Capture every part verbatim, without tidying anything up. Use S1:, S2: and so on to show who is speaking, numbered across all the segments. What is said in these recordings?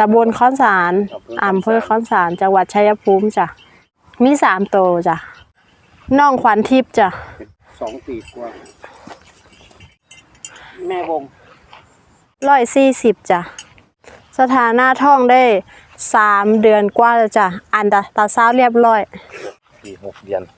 S1: ำบลค้อนสารอำเภอค้อนสารจังหวัดชัยภูมิจ้ะมีสามโตจ้ะน้องขวัญทิพย์จ้ะ
S2: สองปีกว่าแม่วง
S1: ร้อยสี่สิบจ้ะสถานะท้องได้สามเดือนกว่าแล้วจ้ะอันตาตาเศร้าเรียบร้อย
S3: สี่หกเดือน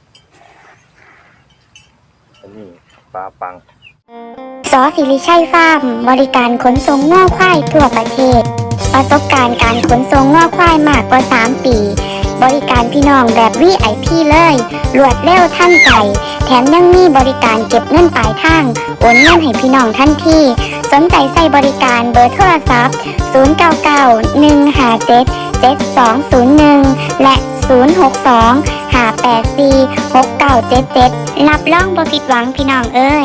S3: อันนี้ปลาปัง
S4: สอศิริชัยฟาร์มบริการขนส่งง่อควายทั่วประเทศประสบการณ์การขนส่งง่อควายมากกว่าสามปีบริการพี่น้องแบบ วี ไอ พี เลยรวดเร็วทันใจแถมยังมีบริการเก็บเงินปลายทางโอนเงินให้พี่น้องทันทีสนใจใส่บริการเบอร์โทรศัพท์ศูนย์ เก้า เก้า หนึ่ง ห้า เจ็ด เจ็ด สอง ศูนย์ หนึ่งและศูนย์ หก สอง ห้า แปด สี่ หก เก้า เจ็ด เจ็ดรับรองบ่ผิดหวังพี่น้องเอ้ย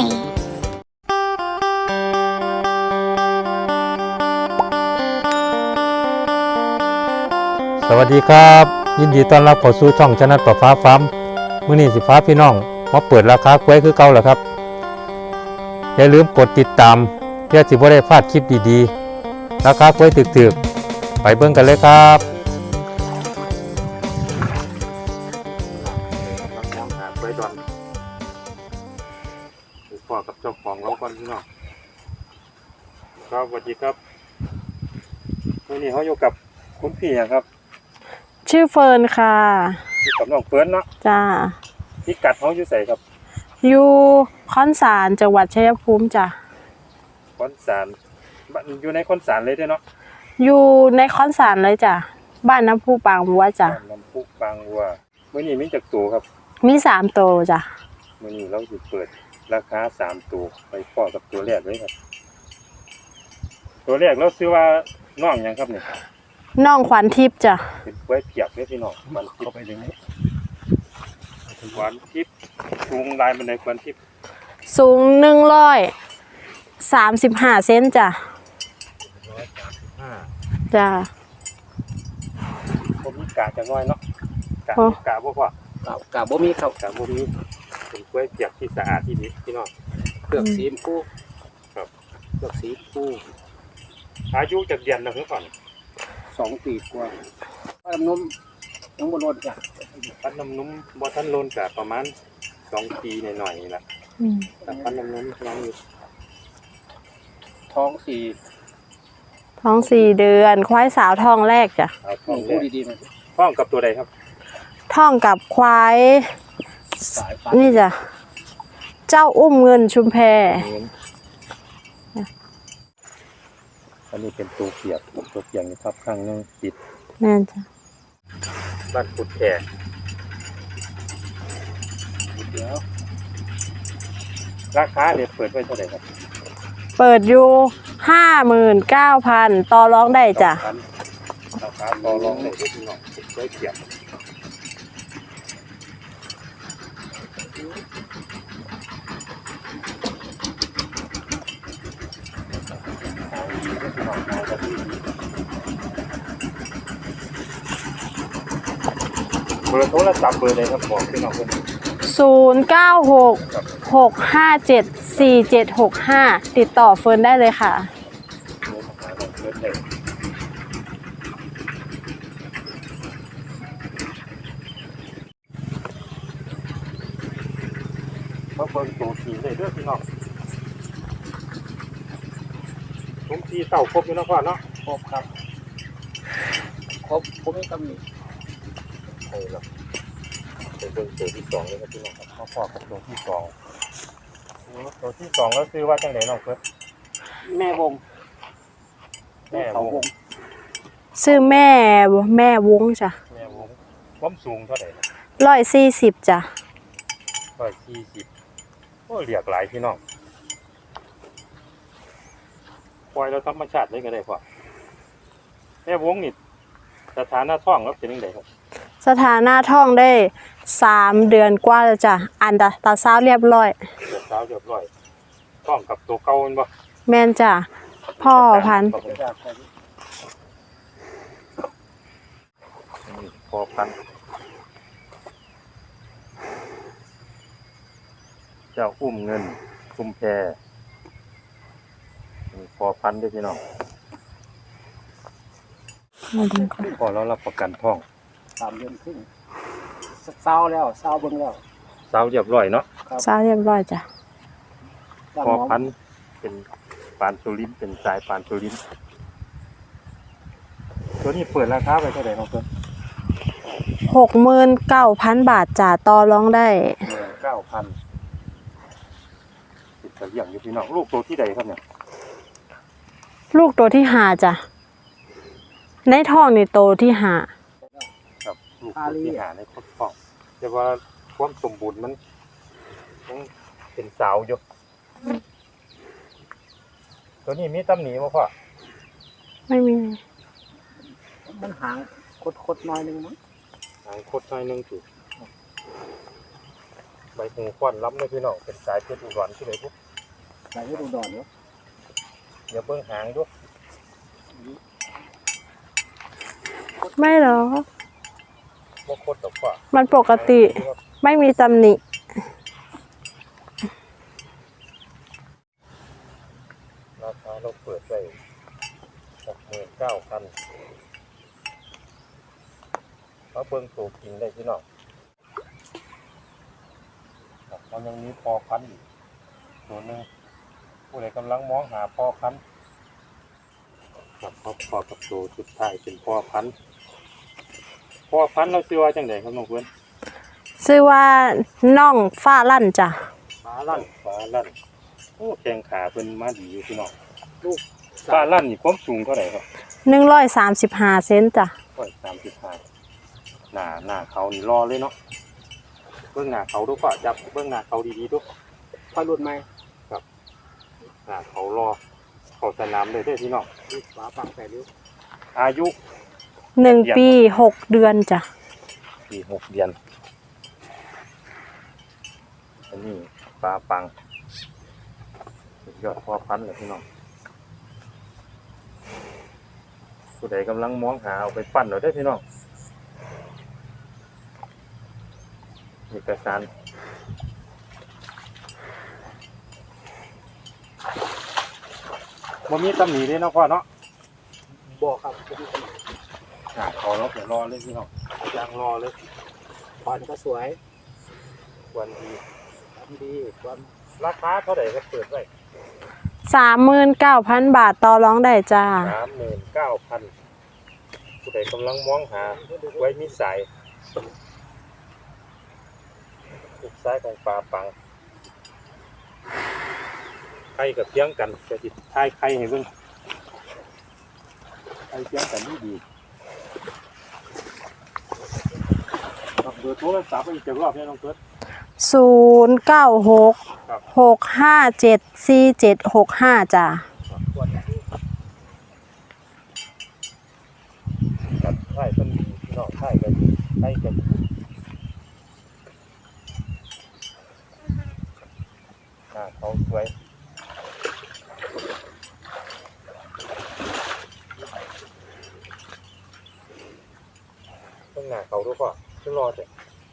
S5: สวัสดีครับยินดีต้อนรับเข้าสู่ช่องชนะประฟ้าฟาร์มมื้อนี้สิฟ้าพี่น้องมาเปิดราคากล้วยคือเก่าแล้วครับอย่าลืมกดติดตามเพื่อสิบ่ได้พลาดคลิปดีๆราคากล้วยถึกๆไปเบิ่งกันเลยครับ
S3: น้ำหาไว้ดอนพ่อกับเจ้าของเราก่อนพี่น้องครับสวัสดีครับวันนี้เขาอยู่กับคุณพี่ครับ
S1: ชื่อเฟิร์นค่ะ
S3: อยู่กับน้องเฟิร์นเนาะ
S1: จ้า
S3: พิกัดเขาอยู่ใส่ครับ
S1: อยู่ค้อนสารจังหวัดชัยภูมิจ้ะ
S3: ค้อนสารอยู่ในค้อนสารเลยด้วยเนาะ
S1: อยู่ในค้อนสารเลยจ้ะบ้านน้ำพุปางวัวจ้ะ
S3: น้ำพุปางวัวเมื่อนี้มีจักตัวครับ
S1: มีสามโตจ้ะ
S3: เมื่อนี้เราจะเปิดราคาสามตัวไปพ่อกับตัวแรกเลยครับตัวแรกเราซื้อว่าน้องยังครับเนี่ย
S1: น้องขวัญทิพย์จ้ะ
S3: เป็นกล้วยเปียกเนี่ยพี่น้องมันเข้าไปยังไงขวัญทิพย์สูงลายมันในขวัญทิพย์
S1: สูงหนึ่งร้อยสามสิบห้าเซนจ้ะ
S3: ร้อยสามสิบห้า
S1: จ้ะ
S3: ผมมีกาจะน้อยเนาะกากาบ่พอกาบ่มีครับกาบ่มีเป็นกล้วยเปียกที่สะอาดที่ดีพี่น้อง
S2: เปลือกสีฟู
S3: ครับ
S2: เปลือกสีฟู
S3: อายุจากเดือนนะเพื่อนก่อน
S2: สองปีกว่าปั้นน้ำนุ่มยังบนรถจ้ะ
S3: ปั้นน้ำนุ่มบ่ทันโลนกับประมาณสองปีหน่อยๆนี่แหละแต่ปั้นน้ำนุ่มยังอยู่
S2: ท้องสี่
S1: ท้องสี่เดือนควายสาวท้องแรกจ้ะ
S3: ท้อง
S2: พูดดีๆนะ
S3: ท้องกับตัวใดครับ
S1: ท้องกับควายนี่จ้ะเจ้าอุ้มเงินชุมแพ
S3: อันนี้เป็นตัวเปียกตัวเปียกนี่ครับข้างนึงติด
S1: แม่นจ้ะ
S3: บ้านกุดแขกเดี๋ยวราคาเดี๋ยวเปิดไว้เท่าไหร่ครับ
S1: เปิดอยู่ห้าหมื่นเก้าพันต่อรองได้จ้ะ
S3: ราคาต่อรองได้ที่พี่น้องไว้เปียกเบอร์โทรศัพท์เบอร์ใดครับบอกพี่น้องเพื่อน
S1: ศูนย์เก้าหกหกห้าเจ็ดสี่เจ็ดหกห้าติดต่อเฟิร์นได้เลยค่ะ
S3: มาเบิ่งตัวสีเลยเด้อพี่น้องผมสีเต่าครบอยู่นะพ่อเนาะ
S2: ครบครับครบผมไม่ต้องมี
S3: ใช่ครับเป็นเบิ่งตัวที่สองเลยครับพี่น้องครับพ่อพ่อกับตัวที่สองตัวที่สองแล้วซื้อว่าจังไหนน้องเพื่อน
S2: แม่วง
S3: แม่วง
S1: ซื้อแม่แม่วงจ้ะ
S3: แม่วงความสูงเท่าไหร่
S1: ร้อยสี่สิบจ้ะ
S3: ร้อยสี่สิบโอ้เรียกหลายพี่น้องปล่อยเราธรรมชาติได้ก็ได้พ่อแม่วงนี่สถานะท้องแล้วเป็นยังไงครับ
S1: สถานะท้องได้สามเดือนกว่าแล้วจ้ะอันตาตาเศร้าเรียบร้อย
S3: ตาเศร้าเรียบร้อยท้องกับตัวเก่าบ่
S1: แม่นจ้ะพ่อพันธุ์
S3: พ่อพันธุ์เจ้าอุ้มเงินคุมแพรพอพันธุ์ด้วยพี่น้อง
S1: มาดูก่อน
S3: พอเรารับประกันท้อง
S2: สามเดือนครึ่งเศร้าแล้วเศร้าเบิ่งแล้ว
S3: สาวเรียบร้อยเนาะ
S1: ซาเรียบร้อยจ้ะ
S3: พอพันธุ์เป็นปานสุรินทร์เป็นสายปานสุรินทร์ตัวนี้เปิดราคาไปเท่าไหร่น้องเพิ่น
S1: หกหมื่นเก้าพันบาทจ้ะต่อรองได้
S3: หมื่นเก้าพันติดกระเลี่ยงอยู่พี่น้องลูกตัวที่ใดครับเนี่ย
S1: ลูกตัวที่หาจ้ะในท้องนี่โตที่หา
S3: ครับลูกตัวที่หาในครอบครองแต่ว่าความสมบูรณ์มันยังเป็นสาวอยู่ตัวนี้มีตำหนิบ่พ่อ
S1: ไม่มี
S2: มันหางคดๆหน่อยนึงมั้ง
S3: หางคดหน่อยหนึงจุใบหูควันล้ำเลยพี่น้องเป็นสายเพชรอุดรที่ไหนปุ๊บ
S2: ใส่ให้ดูดอนเนาะ
S3: เดี๋ยวเบิ่งหางด้วย
S1: ไม่หรอก
S3: บ่คดดอกพ่อ
S1: มันปกติไม่มีตำหนิ
S3: ราคาเราเปิดไว้หกหมื่นเก้าพันมาเบิ่งตัวกินได้พี่น้องครับมันยังมีพอพันธุ์อีกตัวหนึงผู้ใดกำลังมองหาพอพันธุ์ครับพอพอกับตัวสุดท้ายเป็นพอพันธุ์พอพันธุ์เราซื้อว่าจังไดครับน้องเพื่อน
S1: ชื่อว่าน่องฟ้าลั่นจ้ะ
S3: ฟ้าลั่นฟ้าลั่นโอ้แข้งขาเพิ่นมาดีอยู่พี่น้องลูกฟ้าลั่นนี่ความสูงเท่าไหร่ครับ
S1: หนึ่งร้อยสามสิบห้าเซนจ้ะ
S3: ร้อยสามสิบห้าหน้าหน้าเขานี่รอเลยเนาะเบื้องหน้าเขาดูก่อนจับเบื้องหน้าเขาดีๆดู
S2: ค่อยหลุดไหม
S3: หน้าเขารอเขาสนามเลยเด้อพี่น้อง
S2: ลูกฝาปังใส่นิ้ว
S3: อายุ
S1: หนึ่งปีหกเดือนจ้ะ
S3: ปีหกเดือนอันนี้ปลาปังสุดยอดพ่อพันธุ์เลยพี่น้องผู้ใดกำลังมองหาเอาไปปั้นเอาได้อพี่น้องเอกสารบ่มีตำหนิเลยเนาะพ่อเนาะ
S2: บอกครับจะมีขนาด
S3: อ่าเขาแล้วเดี๋ยวรอเลยพี่น้องยางรอเลย
S2: ควันก็สวย
S3: วันดี
S2: ทำดีความ
S3: ราคาเท่าไหร่ก็เปิดไว้
S1: สามหมื่นเก้าพันบาทต่อรองได้จ้า
S3: สามหมื่นเก้าพันผู้ใดกำลังมองหาไว้มีสายสุดซ้ายของปลาปังไข่กับเพียงกันจะติดท้ายไข่ให้เบิ่งไข่เพียงกันนี่ดีครับเบอร์โทรศัพท์ไปอีกเจ็ดรอบเนี่ยน้องเกิด
S1: ศูนย์เก้าหก
S3: ครับ
S1: หกห้าเจ็ดสี่เจ็ดหกห้าจ้ะ
S3: กับไข่ต้นดีพี่น้องไข่กันไข่กันอ่าเขาสวยต้องหน้าเขาด้วยก่อนช่วยรอเถอะ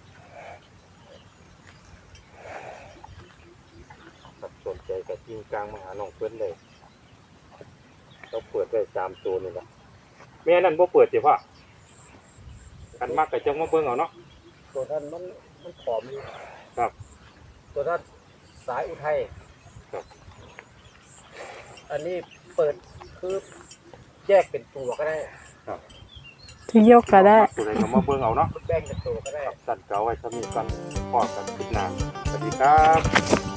S3: ครับสนใจกับทีมกลางมาหาน้องเพื่อนเลยเราเปิดได้สามตัวนี่แหละแม่นั่นบ่เปิดสิพ่อกันมากกับจังมาเบิ่งเอาเนาะ
S2: ตัวท่านมันมันผอมอยู่
S3: ครับ
S2: ตัวท่านสายอุทัย
S3: ครับ
S2: อันนี้เปิดคือแยกเป็นตัวก็ได้
S1: ที่ยกก็ได้
S3: ตัวไหนก็มาเบิ่งเอาเนาะ
S2: แบ่งเป็นตัวก็ได้
S3: สั่นเก่าไว้สมีกันพอกันคิดนานสวัสดีครับ